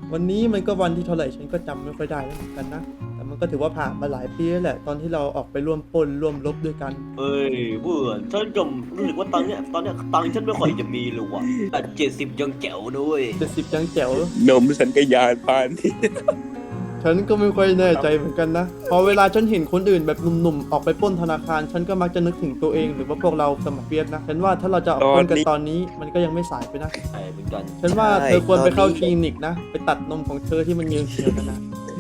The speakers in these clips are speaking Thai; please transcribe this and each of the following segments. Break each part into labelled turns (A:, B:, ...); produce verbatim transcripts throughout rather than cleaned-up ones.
A: วันนี้มันก็วันที่เท่าไหร่ฉันก็จำไม่ค่อยได้แล้วเหมือนกันนะแต่มันก็ถือว่าผ่านมาหลายปีแล้วแหละตอนที่เราออกไปร่วมปล้นร่วมรบด้วยกัน
B: เอ้ยเบื่อฉันก็รู้สึกว่าตังค์เนี่ยตอนเนี้ยตังค์ฉันไม่ค่อยจะมีเลยว่ะแต่เจ็ดสิบยังแจ๋วด้วย
A: เจ็ดสิบยังแจ๋วน
C: มสัญญาณปานนี่
A: ฉันก็ไม่ค่อยแน่ใจเหมือนกันนะพอเวลาฉันเห็นคนอื่นแบบหนุ่มๆออกไปปล้นธนาคาร ฉันก็มักจะนึกถึงตัวเองหรือว่าพวกเราสมัครเปียกนะฉันว่าถ้าเราจะออกปล้นกันตอนนี้มันก็ยังไม่สายไปนะ
B: ใช่เหมือนกัน
A: ฉันว่าเธอควรไปเข้าคลินิกนะไปตัดนมของเธอที่มันเยื้องๆกันนะ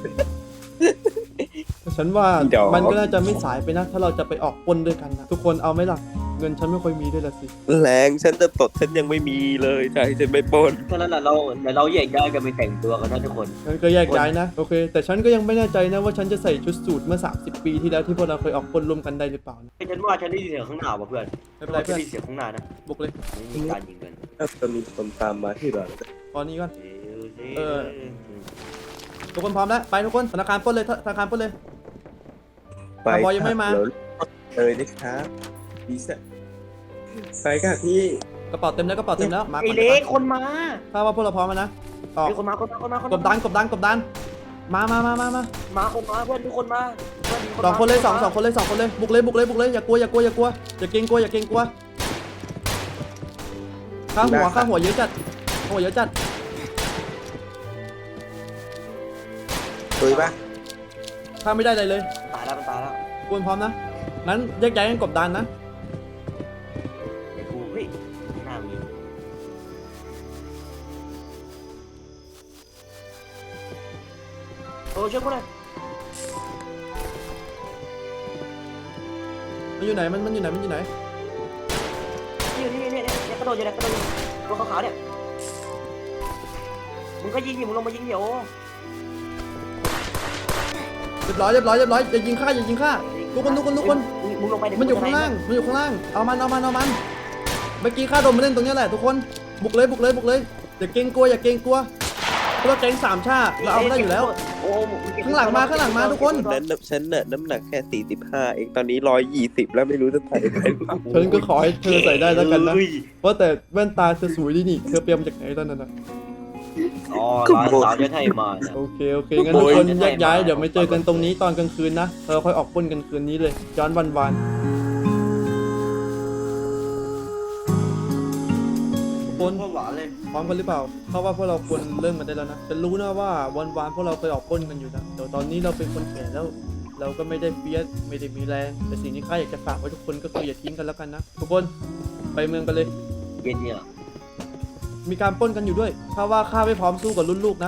A: ฉันว่ามันก็น่าจะไม่สายไปนะถ้าเราจะไปออกปล้นด้วยกันนะทุกคนเอาไหมล่ะเงินฉันไม่ค่อยมีด้วยละสิ
C: แรงฉันจะตดฉันยังไม่มีเลยใช่ฉันไม่ปล้น
B: ฉะนั้นน่ะเราเดี๋ยวเราแยกย้ายกันไปแต่งตัวกันนะทุกคน
A: งั้นก็แยกย้ายนะโอเคแต่ฉันก็ยังไม่แน่ใจนะว่าฉันจะใส่ชุดสูทเมื่อสามสิบปีที่แล้วที่พวกเราเคยออกปล้นร่วมกันได้หรือเปล่านะ
B: ฉันว่าฉันได้ยินเสียงข้างหน้าว่ะเพื่อน
A: ไม่เป็นไรเพื่อน
B: ฉัได้ยินเสียงข้างหน้านะ
A: บุกเลย
B: มีการยิงกัน
C: ถ้าจะมีคนตามมาที่เรา
A: ตอนนี้ก่อน เออ ทุกคนพร้อมแล้วไปทุกคนธนาคารปล้นเลยธนาคารปล้นเลย
C: ไป
A: บอยยังไม่มา
C: เลยนะครับดีสัไปค่ะพี่
A: กระเป๋าเต็มแล้วกระเป๋าเต็มแล้วมา
B: ไอ้
A: ก่อน
B: เล็กคนมา
A: ถ้าว่าพวกเราพร้อมแล้วนะออก
B: ไอ้คนมาคนมาคนมาคน
A: ก
B: มา
A: บดันกบดันกบดันมามามามามา
B: มาคนมาเพื่อนทุกคนมาเพื่อนมี
A: สองคนเลยสอง
B: มา
A: สองคนเลยสองคนเลยบุกเลยบุกเลยบุกเลยอย่ากลัวอย่ากลัวอย่ากลัวอย่าเกรงกลัวอย่าเกรงกลัวข้าหัวข้าหัวเยอะจัดข้าหัวเยอะจัด
C: ตุยปะ
A: ข้าไม่ได้อะไรเลย
B: ตายแล้วมันตายแล้ว
A: ควรพร้อมนะงั้นแยกย้ายกันกบดันนะ
B: ไอ้กูเฮ้ยหน้ามีโอ้ช่วยกูหน่อย
A: มันอยู่ไหนมันมันอยู่ไหนมันอยู่ไหน
B: นี่นี่นี่นี่เนี่ยกระโดดอยู่เนี่ยกระโดดอยู่ตัวขาวๆเนี่ยมึงก็ยิงดิมึงลงมายิงเดี๋ยว
A: เรียบร้อยเรียบร้อยเรียบร้อยอย่ายิงข้าอย่ายิงข้าทุกคนทุกคนทุกคน
B: มึงลงไปเดี๋ว
A: มันอยู่ข้างล่างมันอยู่ข้างล่างเอามันเอามันเอามันเมื่อกี้ข้าโดนมาเล่นตรงนี้แหละทุกคนบุกเลยบุกเลยบุกเลยอย่าเกรงกลัวอย่าเกรงกลัวเพราะเราแก๊งสามชาเราเอาไม่ได้อยู่แล้ว
B: โอ้
A: ข้างหลังมาข้างหลังมาทุกคน
C: นั้นฉันน่ะน้ำหนักแค่สี่สิบห้าเองตอนนี้ร้อยยี่สิบแล้วไม่รู้จะใส่ได้หรือเปล่า
A: ฉันก็ขอให้เธอใส่ได้แล้วกันนะ
B: เฮ้ย
A: ว่าแต่แว่นตาเธอสวยดีนี่เธอเปียมาจากไหนตอนนั้นนะ
B: อ๋อร้านสาวจะให้มาเนี่ย
A: โอเคโอเคงั้นทุกคนแยกย้ายเดี๋ยวไม่เจอกันตรงนี้ตอนกลางคืนนะเราค่อยออกปล้นกันคืนนี้เลยย้อนวันวานทุกคน
B: โคตรหวานเลย
A: พร้อมกันหรือเปล่าเพราะว่าพวกเราควรเริ่มกันได้แล้วนะฉันรู้นะว่าวันวานพวกเราเคยออกปล้นกันอยู่นะแต่ตอนนี้เราเป็นคนแก่แล้ว เราก็ไม่ได้เฟียสไม่ได้มีแรงแต่สิ่งที่ข้าอยากจะฝากไว้ทุกคนก็คืออย่าทิ้งกันแล้วกันนะทุกคนไปเมืองกันเลย
B: เย็นเนี่ย
A: มีการปล้นกันอยู่ด้วยถ้าว่าข้าไม่พร้อมสู้กับรุ่นลูกนะ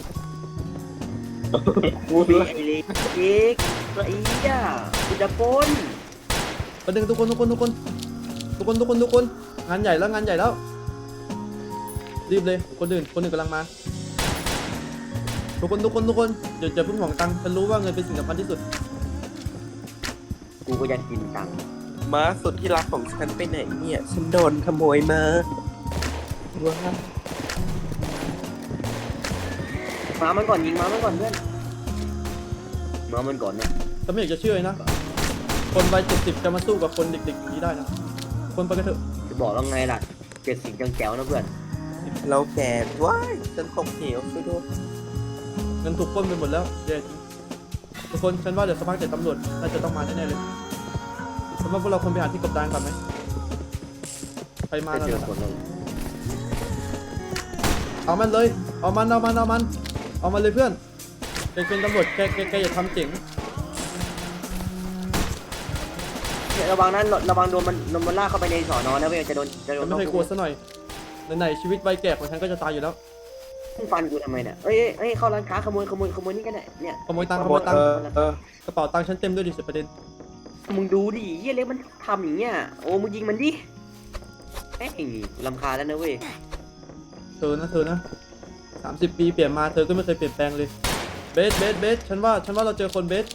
B: กูไอ้เล็กเล็กตัวอีอ่ะกูจะปน
A: ประเด็นทุกคนทุกคนทุกคนทุกคนทุกคนทุกคนงานใหญ่แล้วงานใหญ่แล้วรีบเลยคนอื่นคนอื่นกำลังมาทุกคนทุกคนทุกคนอย่าอย่าเพิ่งหวังตังค์ฉันรู้ว่าเงินเป็นสิ่งสำคัญที่สุด
B: กูก็อยากกินตังค์
C: ม้าสุดที่รักของฉันไปไหนเนี่ยฉันโดนขโมยมาว้า
B: มามันก่อนยิงมามันก่อนเพื่อนมามันก่อนนะ
A: แต่ไม่อยากจะเชื่อเลยนะคนวัยเจ็ดสิบจะมาสู้กับคนเด็กๆอย่างนี้ได้นะคนไปกันเถอะ
B: จะบอกแล้วไงล่ะเจ็ดสิบยังแจ๋วนะเพื่อน
C: เราแก่ว้ายฉันตกเหวช่วยด้วย
A: เงินถูกปล้นไปหมดแล้วแย่จริงทุกคนฉันว่าเดี๋ยวสักพักเดี๋ยวตำรวจน่าจะต้องมาแน่ๆเลยฉันว่าพวกเราควรไปหาที่กบดานก่อนไหมใครมา
B: จะ
A: แล้ว
B: เจอ
A: นะ
B: คนแล้ว
A: เอามันเลยเอามันเอามันเอามันเอามันเลยเพื่อนแกเป็นตำรวจแกแกแกอย่าทำเจ๋ง
B: เนี่ยระวังนั้นระวังโดนมันโดนมันลากเข้าไปในสอนอนะเว้ยจะโดนจะโด
A: ฉั
B: น
A: นไม่เคยกลัวซะหน่อยไหนๆชีวิตวัยแก่ของฉันก็จะตายอยู่แล้ว
B: มึงฟันกูทำไมเนี่ยเอ้ยเอ้ยเข้าร้านค้าขโมยขโมยขโมยนี่กันเนี่ยเนี่ย
A: ขโมยตังค์ขโมยตังค์
C: เออก
A: ระเป๋าตังค์ฉันเต็มด้วยดิสิประเด็น
B: มึงดูดิเฮียเล็กมันทำอย่างเงี้ยโอ้มึงยิงมันดิเอ้ยลำคาญแล้วนะเว้ย
A: เธอนะเธอนะสามสิบปีเปลี่ยนมาเธอก็ไม่เคยเปลี่ยนแปลงเลยเบสเบสเบสฉันว่าฉันว่าเราเจอคนเบส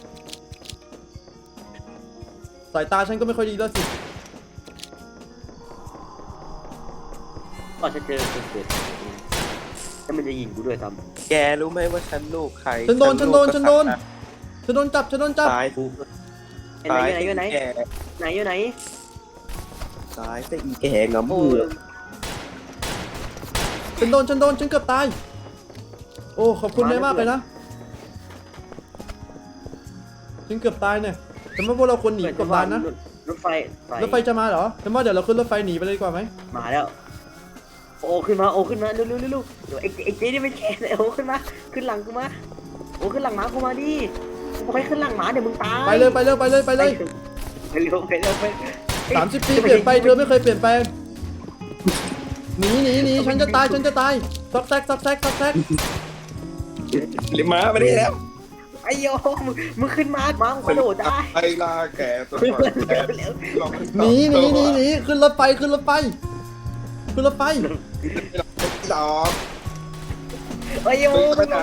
A: สายตาฉันก็ไม่ค่อยดีแล้วสิ
B: ก็จะเจอคนเกิดแล้วมันจะยิงกูด้วยซ้
C: แกรู้ไหมว่าฉันลูกใคร
A: ฉันโดนฉันโดนฉันโดนฉันโดนจับฉันโดนจับ
C: ตาย
B: ำกูไหนไหนไหน
C: แก
B: ไหนอยู่ไหน
C: ตายแต่อีแกงำ
B: โอ้
C: มือ
A: ฉันโดนฉันโดนฉันเกือบตายโอ้ขอบคุณนายมากเลยนะฉันเกือบตายเนี่ยแต่ว่าพวกเราควรหนีกบดานนะ
B: รถไฟ
A: รถไฟจะมาเหรอฉันว่าเดี๋ยวเราขึ้นรถไฟหนีไปเลยดีกว่าไหม
B: มาแล้วโอ้ขึ้นมาโอ้ขึ้นมาเร็วเร็วเร็วเดี๋ยวไอ้ไอ้เจ๊นี่ไม่แคร์เลยโอ้ขึ้นมาขึ้นหลังกูมาโอ้ขึ้นหลังหมากูมาดิกูไปขึ้นหลังหมาเดี๋ยวมึงตาย
A: ไปเลยไปเลยไปเลยไปเลย
B: ไปเร็วไปเร็วไป
A: สามสิบปีเปลี่ยนไปเธอไม่เคยเปลี่ยนแปลงหนีหนีหนีฉันจะตายฉันจะตายซอกแซกซอกแซกซอกแซก
C: หรือม้ามาได้แล้ว
B: ไอ้โยมึงมึงขึ้นมาหมามึงกระโดดได้
D: ไอ้ลาแก่ตัว
B: เร็ว
D: แก่
B: เร็ว
A: หนีหนีหนีหนีขึ้นรถไฟขึ้นรถไฟขึ้นรถไฟ
D: ดอก
B: ไอ้โย
D: ไปไหน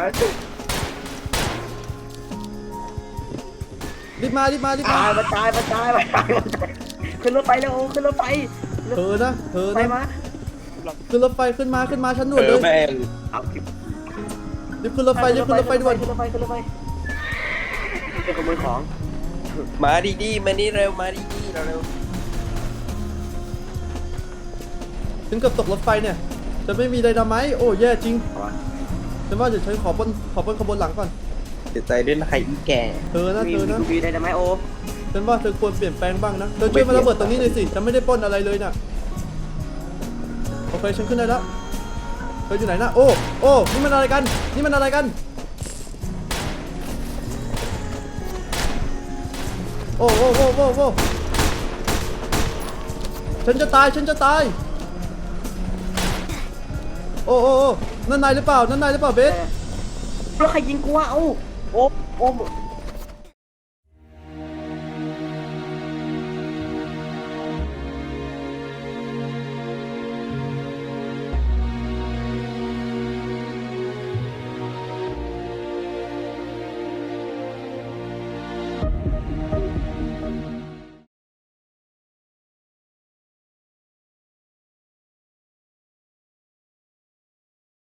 A: รีบมารีบมารีบมา
B: ตายมาตายมาตายมาตายมาตายขึ้นรถไฟแล้วโอ้ขึ้นรถไฟ
A: เธอนะเธอ
B: ไป
A: นะ
B: มา
A: ขึ้นรถไฟขึ้นมาขึ้นมาชั้นด่ว
C: เอน
A: เล
C: อย แม่ง
B: เอา
A: รีบขึ้นรถไฟรีบขึ้นรถไฟด่วน
B: ขึ้นรถไฟขึ้นรถไฟจะขโมยของ
C: มาดีๆมานี่เร็วมาดีๆเร็ว
A: ถึงกับตกรถไฟเนี่ยจะไม่มีไดนาไมต์โอ้แย่จริงฉันว่าเดี๋ยวฉันขอปล้นขอปล้นขบวนหลังก่อน
C: เสียใจด้วยนะใครอีแก่
A: เธอนะเธอนะ
B: มีได้ไหมโอ
A: ฉันว่าเธอควรเปลี่ยนแปลงบ้างนะเธอช่วยมาระเบิดตรงนี้หน่อยสิฉันไม่ได้ปล้นอะไรเลยน่ะโอเคฉันขึ้นได้แล้วเธออยู่ไหนนะโอ้โอ้นี่มันอะไรกันนี่มันอะไรกันโอ้โอ้โอ้โอ้โอ้ฉันจะตายฉันจะตายโอ้โอ้โอ้นั่นนายหรือเปล่านั่นนายหรือเปล่าเบส
B: แล้วใครยิงกูวะเอ้าโอ้โอ้